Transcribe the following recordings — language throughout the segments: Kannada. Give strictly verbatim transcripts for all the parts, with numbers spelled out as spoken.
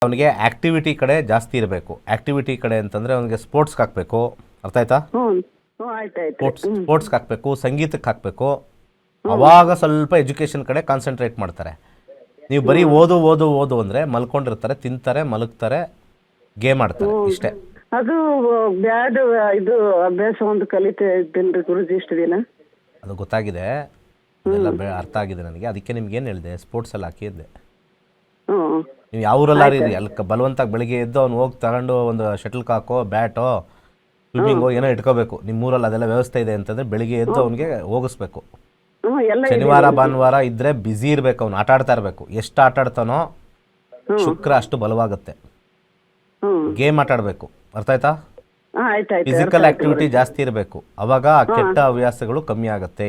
ಅವನಿಗೆ ಆಕ್ಟಿವಿಟಿ ಕಡೆ ಜಾಸ್ತಿ ಇರಬೇಕು. ಆಕ್ಟಿವಿಟಿ ಕಡೆ ಅಂತಂದರೆ ಅವನಿಗೆ ಸ್ಪೋರ್ಟ್ಸ್ಗೆ ಹಾಕಬೇಕು, ಅರ್ಥ ಆಯ್ತಾ? ಸ್ಪೋರ್ಟ್ಸ್ ಸ್ಪೋರ್ಟ್ಸ್ಗೆ ಹಾಕಬೇಕು, ಸಂಗೀತಕ್ಕೆ ಹಾಕಬೇಕು. ಅವಾಗ ಸ್ವಲ್ಪ ಎಜುಕೇಷನ್ ಕಡೆ ಕಾನ್ಸಂಟ್ರೇಟ್ ಮಾಡ್ತಾರೆ. ನೀವು ಬರೀ ಓದು ಓದು ಓದು ಅಂದರೆ ಮಲ್ಕೊಂಡಿರ್ತಾರೆ, ತಿಂತಾರೆ, ಮಲಗ್ತಾರೆ, ಗೇಮ್ ಆಡ್ತಾರೆ, ಇಷ್ಟೇ. ಅದು ಬ್ಯಾಡ್ ಇದು ಅಭ್ಯಾಸ ಒಂದು ಕಲಿತಾ ಇದ್ದೇನೆ ಗುರುಜಿ ಇಷ್ಟು ದಿನ. ಅದು ಗೊತ್ತಾಗಿದೆ, ಅದೆಲ್ಲ ಬೆ ಅರ್ಥ ಆಗಿದೆ ನನಗೆ. ಅದಕ್ಕೆ ನಿಮ್ಗೆ ಏನು ಹೇಳಿದೆ, ಸ್ಪೋರ್ಟ್ಸಲ್ಲಿ ಹಾಕಿದ್ದೆ. ನೀವು ಯಾವ ಊರಲ್ಲ ರೀ ಅಲ್ಲಿ ಬಲವಂತಾಗಿ ಬೆಳಿಗ್ಗೆ ಎದ್ದು ಅವ್ನು ಹೋಗಿ ತಗೊಂಡು ಒಂದು ಶಟಲ್ ಕಾಕೋ, ಬ್ಯಾಟೋ, ಸ್ವಿಮ್ಮಿಂಗೋ ಏನೋ ಇಟ್ಕೋಬೇಕು. ನಿಮ್ಮ ಊರಲ್ಲಿ ಅದೆಲ್ಲ ವ್ಯವಸ್ಥೆ ಇದೆ ಅಂತಂದರೆ ಬೆಳಿಗ್ಗೆ ಎದ್ದು ಅವನಿಗೆ ಹೋಗಿಸ್ಬೇಕು. ಶನಿವಾರ ಭಾನುವಾರ ಇದ್ದರೆ ಬ್ಯುಸಿ ಇರಬೇಕು, ಅವ್ನು ಆಟ ಆಡ್ತಾ ಇರಬೇಕು. ಎಷ್ಟು ಆಟ ಆಡ್ತಾನೋ ಶುಕ್ರ ಅಷ್ಟು ಬಲವಾಗುತ್ತೆ. ಗೇಮ್ ಆಟ ಆಡಬೇಕು, ಅರ್ಥ ಆಯ್ತಾ? ಫಿಸಿಕಲ್ ಆಕ್ಟಿವಿಟಿ ಜಾಸ್ತಿ ಇರಬೇಕು, ಅವಾಗ ಕೆಟ್ಟ ಹವ್ಯಾಸಗಳು ಕಮ್ಮಿ ಆಗುತ್ತೆ.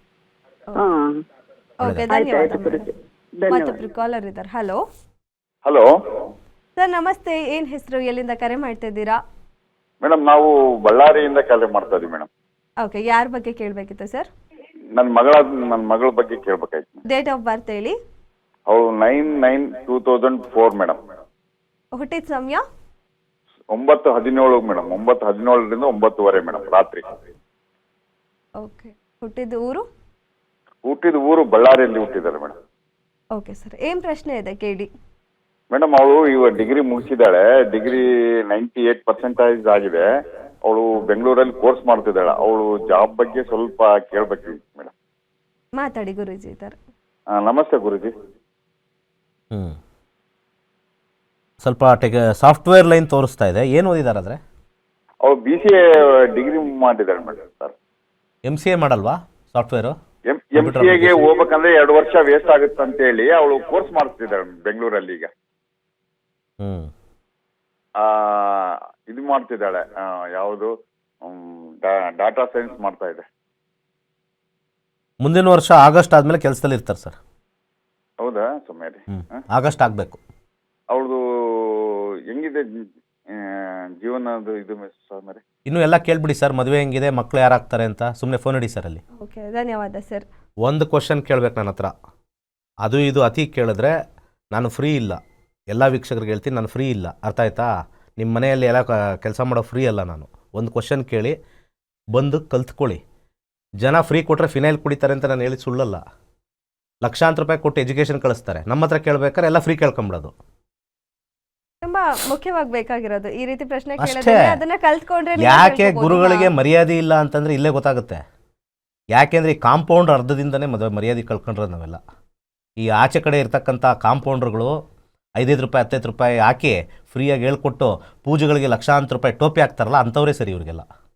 ಕಾಲರ್ ಇದ್ದಾರೆ. ಹಲೋ ಹಲೋ ಸರ್, ನಮಸ್ತೆ. ಏನ್ ಹೆಸರು, ಎಲ್ಲಿಂದ ಕರೆ ಮಾಡ್ತಾ ಇದ್ದೀರಾ? ಮೇಡಮ್, ನಾವು ಬಳ್ಳಾರಿಯಿಂದ ಕರೆ ಮಾಡ್ತಾ ಇದೀವಿ ಮೇಡಮ್. ಓಕೆ, ಯಾರ ಬಗ್ಗೆ ಕೇಳಬೇಕಿತ್ತು ಸರ್? ನನ್ನ ಮಗಳ ನನ್ನ ಮಗಳ ಬಗ್ಗೆ ಕೇಳಬೇಕಾಯ್ತು. ಡೇಟ್ ಆಫ್ ಬರ್ತ್ ಹೇಳಿ. ಅವಳು nine nine two thousand four madam. ಹುಟ್ಟಿದ ಸಮಯ ಒಂಬತ್ತು ಹದಿನೇಳು ಮೇಡಮ್. ಒಂಬತ್ತು ಹದಿನೇಳರಿಂದ ಒಂಬತ್ತುವರೆ ಮೇಡಮ್ ರಾತ್ರಿ. ಓಕೆ, ಹುಟ್ಟಿದ ಊರು? ಹುಟ್ಟಿದ ಊರು ಬಳ್ಳಾರಿಯಲ್ಲಿ ಹುಟ್ಟಿದ್ದಾರೆ ಮೇಡಮ್. ಓಕೆ ಸರ್, ಏನ್ ಪ್ರಶ್ನೆ ಇದೆ ಕೇಳಿ. ಮೇಡಮ್, ಅವಳು ಇವಾಗ ಡಿಗ್ರಿ ಮುಗಿಸಿದ್ದಾಳೆ. ಡಿಗ್ರಿ ನೈಂಟಿ ಏಟ್ ಪರ್ಸೆಂಟೇಜ್ ಆಗಿದೆ. ಅವಳು ಬೆಂಗಳೂರಲ್ಲಿ ಕೋರ್ಸ್ ಮಾಡ್ತಿದ್ದಾಳೆ. ಅವಳು ಜಾಬ್ ಬಗ್ಗೆ ಸ್ವಲ್ಪ ಕೇಳಬೇಕಿತ್ತು ಮೇಡಮ್. ಮಾತಾಡಿ ಗುರುಜಿ ಇದ್ದಾರೆ. ನಮಸ್ತೆ ಗುರುಜಿ. ಹ್ಞೂ ಸ್ವಲ್ಪ ಟೆಕ್ ಸಾಫ್ಟ್ವೇರ್ ಲೈನ್ ತೋರಿಸ್ತಾ ಇದೆ. ಏನು ಓದಿದಾರಾದ್ರೆ? ಅವಳು ಬಿ ಸಿ ಎ ಡಿಗ್ರಿ ಮಾಡಿದ್ದಾಳೆ madam. Sir, M C A ಮಾಡಲ್ವಾ ಸಾಫ್ಟ್ವೇರು? ಎಂ ಎಂ ಸಿ ಎಗೆ ಹೋಗ್ಬೇಕಂದ್ರೆ ಎರಡು ವರ್ಷ ವೇಸ್ಟ್ ಆಗುತ್ತೆ ಅಂತ ಹೇಳಿ ಅವಳು ಕೋರ್ಸ್ ಮಾಡ್ತಿದ್ದಾಳೆ ಬೆಂಗಳೂರಲ್ಲಿ. ಈಗ ಹ್ಮ್ ಇದು ಮಾಡ್ತಿದ್ದಾಳೆ, ಯಾವುದು ಡಾಟಾ ಸೈನ್ಸ್ ಮಾಡ್ತಾ ಇದೆ. ಮುಂದಿನ ವರ್ಷ ಆಗಸ್ಟ್ ಆದ್ಮೇಲೆ ಕೆಲಸದಲ್ಲಿ ಇರ್ತಾರೆ ಸರ್. ಹೌದಾ ಸುಮೇರಿ? ಆಗಸ್ಟ್ ಆಗಬೇಕು. ಅವಳದು ಹೆಂಗಿದೆ ಜೀವನದು ಇದು ಸುಮೇರಿ? ಇನ್ನು ಎಲ್ಲ ಕೇಳ್ಬಿಡಿ ಸರ್, ಮದುವೆ ಹೆಂಗಿದೆ, ಮಕ್ಕಳು ಯಾರಾಗ್ತಾರೆ ಅಂತ. ಸುಮ್ಮನೆ ಫೋನ್ ಇಡಿ ಸರ್ ಅಲ್ಲಿ. ಓಕೆ, ಧನ್ಯವಾದ ಸರ್. ಒಂದು ಕ್ವಶನ್ ಕೇಳ್ಬೇಕು ನನ್ನ ಹತ್ರ. ಅದು ಇದು ಅತಿ ಕೇಳಿದ್ರೆ ನಾನು ಫ್ರೀ ಇಲ್ಲ. ಎಲ್ಲ ವೀಕ್ಷಕರಿಗೆ ಹೇಳ್ತೀನಿ, ನಾನು ಫ್ರೀ ಇಲ್ಲ, ಅರ್ಥ ಆಯ್ತಾ? ನಿಮ್ಮ ಮನೆಯಲ್ಲಿ ಎಲ್ಲ ಕೆಲಸ ಮಾಡೋ ಫ್ರೀ ಅಲ್ಲ ನಾನು. ಒಂದು ಕ್ವಶನ್ ಕೇಳಿ ಬಂದು ಕಲ್ತ್ಕೊಳ್ಳಿ. ಜನ ಫ್ರೀ ಕೊಟ್ಟರೆ ಫಿನೈಲ್ ಕುಡಿತಾರೆ ಅಂತ ನಾನು ಹೇಳಿ ಸುಳ್ಳಲ್ಲ. ಲಕ್ಷಾಂತರ ರೂಪಾಯಿ ಕೊಟ್ಟು ಎಜುಕೇಷನ್ ಕಳಿಸ್ತಾರೆ. ನಮ್ಮ ಹತ್ರ ಕೇಳ್ಬೇಕಾದ್ರೆ ಎಲ್ಲ ಫ್ರೀ ಕೇಳ್ಕೊಂಬಿಡೋದು. ತುಂಬಾ ಮುಖ್ಯವಾಗಿ ಬೇಕಾಗಿರೋದು ಈ ರೀತಿ ಪ್ರಶ್ನೆ ಅಷ್ಟೇ. ಕೇಳಿದ್ರೆ ಅದನ್ನ ಕಲ್ತ್ಕೊಂಡ್ರೆ ನೀವು ಯಾಕೆ ತಿಳ್ಕೊಬೋದು. ಗುರುಗಳಿಗೆ ಮರ್ಯಾದೆ ಇಲ್ಲ ಅಂತಂದರೆ ಇಲ್ಲೇ ಗೊತ್ತಾಗುತ್ತೆ. ಯಾಕೆಂದರೆ ಈ ಕಾಂಪೌಂಡ್ ಅರ್ಧದಿಂದನೇ ಮದುವೆ ಮರ್ಯಾದೆ ಕಳ್ಕೊಂಡ್ರೆ ನಾವೆಲ್ಲ. ಈ ಆಚೆ ಕಡೆ ಇರ್ತಕ್ಕಂಥ ಕಾಂಪೌಂಡ್ರುಗಳು ಐದೈದು ರೂಪಾಯಿ ಹತ್ತೈದು ರೂಪಾಯಿ ಹಾಕಿ ಫ್ರೀಯಾಗಿ ಹೇಳ್ಕೊಟ್ಟು ಪೂಜೆಗಳಿಗೆ ಲಕ್ಷಾಂತರ ರೂಪಾಯಿ ಟೋಪಿ ಹಾಕ್ತಾರಲ್ಲ, ಅಂಥವರೇ ಸರಿ ಇವ್ರಿಗೆಲ್ಲ.